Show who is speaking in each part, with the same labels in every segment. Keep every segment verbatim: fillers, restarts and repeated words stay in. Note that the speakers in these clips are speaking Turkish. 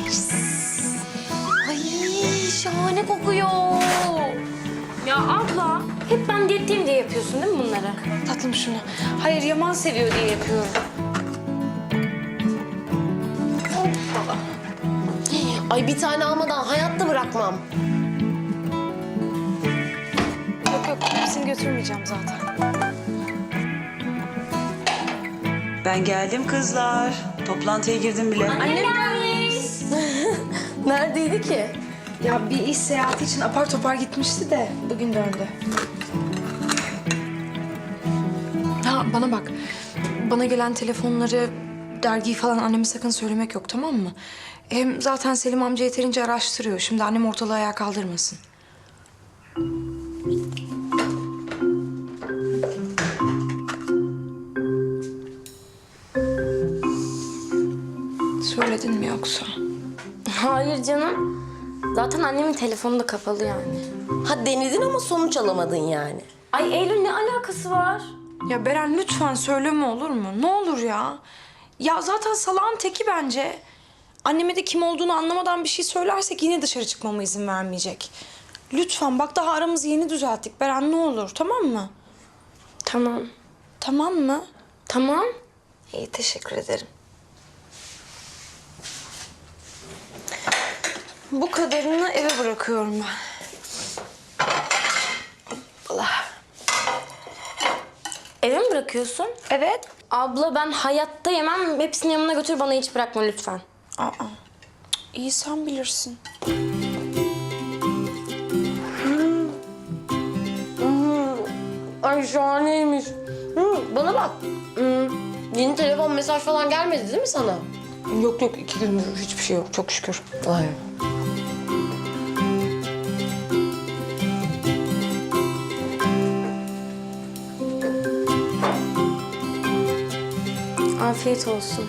Speaker 1: Ay şahane kokuyor. Ya abla hep ben diyetteyim diye yapıyorsun değil mi bunları?
Speaker 2: Tatlım şunu. Hayır, Yaman seviyor diye yapıyorum.
Speaker 3: Ay bir tane almadan hayatta bırakmam.
Speaker 2: Yok yok, hepsini götürmeyeceğim zaten.
Speaker 4: Ben geldim kızlar. Toplantıya girdim bile.
Speaker 1: Annem gelmiş.
Speaker 3: Neredeydi ki?
Speaker 2: Ya bir iş seyahati için apar topar gitmişti de bugün döndü. Ha bana bak. Bana gelen telefonları, dergiyi falan anneme sakın söylemek yok, tamam mı? Hem zaten Selim amca yeterince araştırıyor. Şimdi annem ortalığı ayağa kaldırmasın. Söyledin mi yoksa?
Speaker 1: Hayır canım. Zaten annemin telefonu da kapalı yani.
Speaker 3: Ha denedin ama sonuç alamadın yani.
Speaker 1: Ay Eylül ne alakası var?
Speaker 2: Ya Beren lütfen söyleme, olur mu? Ne olur ya. Ya zaten salağın teki bence. Anneme de kim olduğunu anlamadan bir şey söylersek yine dışarı çıkmama izin vermeyecek. Lütfen bak, daha aramızı yeni düzelttik Beren, ne olur, tamam mı?
Speaker 1: Tamam.
Speaker 2: Tamam mı?
Speaker 1: Tamam.
Speaker 2: İyi, teşekkür ederim. Bu kadarını eve bırakıyorum ben. Allah.
Speaker 1: Eve mi bırakıyorsun?
Speaker 2: Evet.
Speaker 1: Abla ben hayatta yemem. Hepsini yanına götür, bana hiç bırakma lütfen.
Speaker 2: Aa. İyi, sen bilirsin.
Speaker 3: Ay şahaneymiş. Hı, bana bak. Hı, yeni telefon mesaj falan gelmedi değil mi sana?
Speaker 2: Yok yok, iki gündür hiçbir şey yok, çok şükür.
Speaker 3: Ay.
Speaker 1: Afiyet olsun.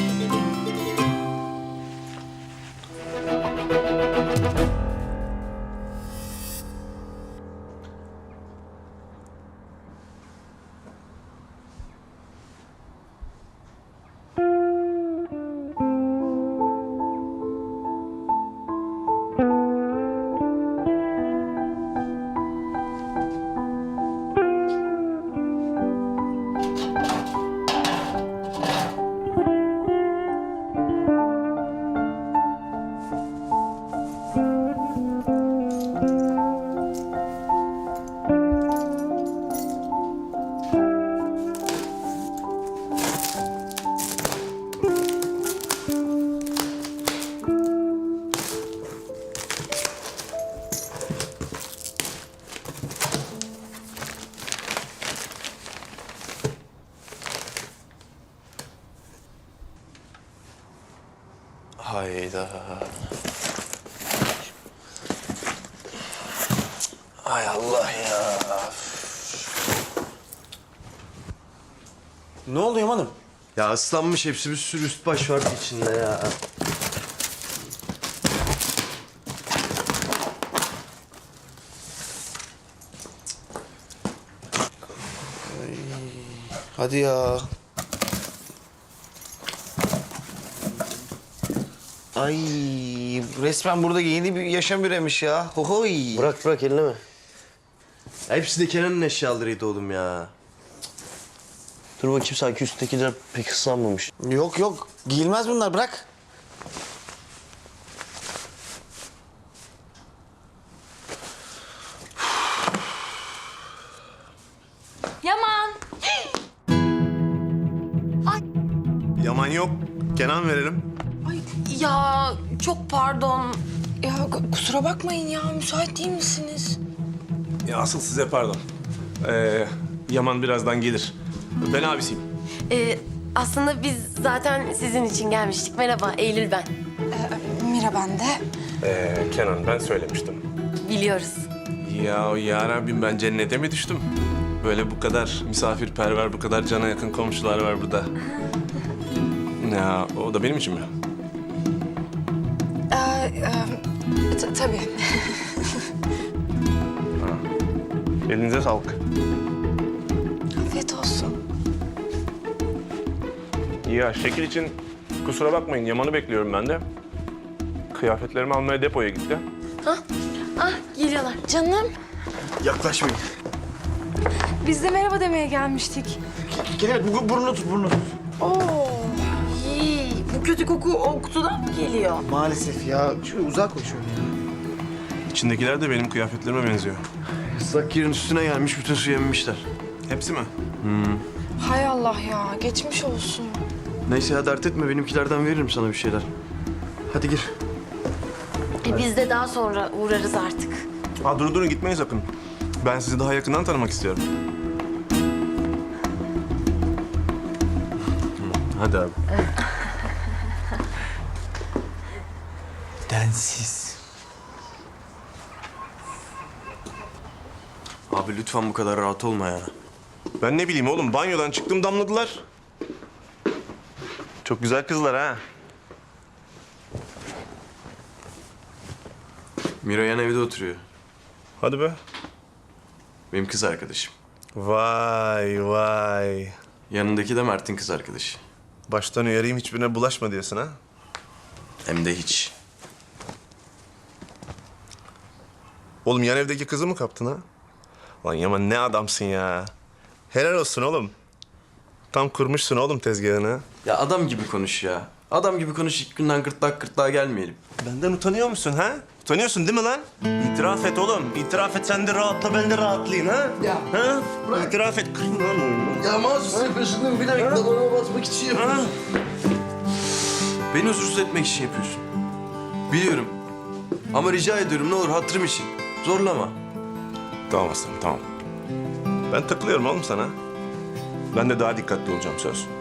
Speaker 5: Hayda. Ay Allah ya. Ne oldu Yaman'ım?
Speaker 6: Ya ıslanmış hepsi, bir sürü üst baş var içinde ya.
Speaker 5: Ay, hadi ya. Ay resmen burada yeni bir yaşam üremiş ya. Hohoy.
Speaker 6: Bırak bırak, elleme. Ya hepsi de Kenan'ın eşyalarıydı oğlum ya.
Speaker 7: Dur bakayım, sanki üsttekiler pek ıslanmamış.
Speaker 5: Yok yok giyilmez bunlar, bırak.
Speaker 2: Yaman.
Speaker 6: Yaman yok. Kenan verelim.
Speaker 2: Ay ya, çok pardon. Ya k- kusura bakmayın ya, müsait değil misiniz?
Speaker 8: Ya asıl size pardon. Ee, Yaman birazdan gelir. Ben abisiyim.
Speaker 3: Ee, aslında biz zaten sizin için gelmiştik. Merhaba, Eylül ben.
Speaker 2: Ee, Mira ben de.
Speaker 8: Ee, Kenan, ben söylemiştim.
Speaker 3: Biliyoruz.
Speaker 8: Ya ya Rabbim, ben cennete mi düştüm? Böyle bu kadar misafirperver, bu kadar cana yakın komşular var burada. Ya o da benim için mi?
Speaker 2: Ee, e, t- tabii.
Speaker 8: Elinize sağlık.
Speaker 2: Afiyet olsun.
Speaker 8: Ya şekil için kusura bakmayın, Yaman'ı bekliyorum ben de. Kıyafetlerimi almaya depoya gitti.
Speaker 3: Ah geliyorlar.
Speaker 2: Canım,
Speaker 6: Yaklaşmayın.
Speaker 2: biz de merhaba demeye gelmiştik.
Speaker 6: Kenan bu burnunu tut burnunu tut.
Speaker 2: Oo.
Speaker 4: İyi, bu kötü koku o kutudan mı geliyor?
Speaker 5: Maalesef ya. Şöyle uzak koy şöyle ya.
Speaker 8: İçindekiler de benim kıyafetlerime benziyor.
Speaker 6: Islak yerin üstüne gelmiş bütün suyu emmişler.
Speaker 8: Hepsi mi?
Speaker 2: Hay Allah ya, geçmiş olsun.
Speaker 6: Neyse ya dert etme benimkilerden veririm sana bir şeyler. Hadi gir.
Speaker 3: E biz de daha sonra uğrarız artık.
Speaker 8: Ha durun durun gitmeyin sakın. Ben sizi daha yakından tanımak istiyorum.
Speaker 6: Hadi abi.
Speaker 5: Densiz.
Speaker 6: Abi lütfen bu kadar rahat olma ya.
Speaker 8: Ben ne bileyim oğlum banyodan çıktım damladılar. Çok güzel kızlar ha.
Speaker 6: Miroyan evde oturuyor.
Speaker 8: Hadi be.
Speaker 6: Benim kız arkadaşım.
Speaker 8: Vay vay.
Speaker 6: Yanındaki de Mert'in kız arkadaşı.
Speaker 8: Baştan uyarayım hiçbirine bulaşma diyorsun ha.
Speaker 6: Hem de hiç.
Speaker 8: Oğlum yan evdeki kızı mı kaptın ha? Lan Yaman ne adamsın ya. Helal olsun oğlum. Tam kurmuşsun oğlum tezgahını.
Speaker 6: Ya adam gibi konuş ya. Adam gibi konuş ilk günden gırtlak gırtlağa gelmeyelim.
Speaker 8: Benden utanıyor musun ha? Utanıyorsun değil mi lan? İtiraf et oğlum. İtiraf et sen de rahatla ben de rahatlayayım ha? Ya. Ha? İtiraf et. Kırın lan oyunu.
Speaker 6: Ya mahsus yapıyorsun bir dakika bana basmak için yapıyorsun. Beni huzursuz etmek için yapıyorsun. Biliyorum. Ama rica ediyorum ne olur hatırım için. Zorlama.
Speaker 8: Tamam aslanım tamam. Ben takılıyorum oğlum sana. Ben de daha dikkatli olacağım söz.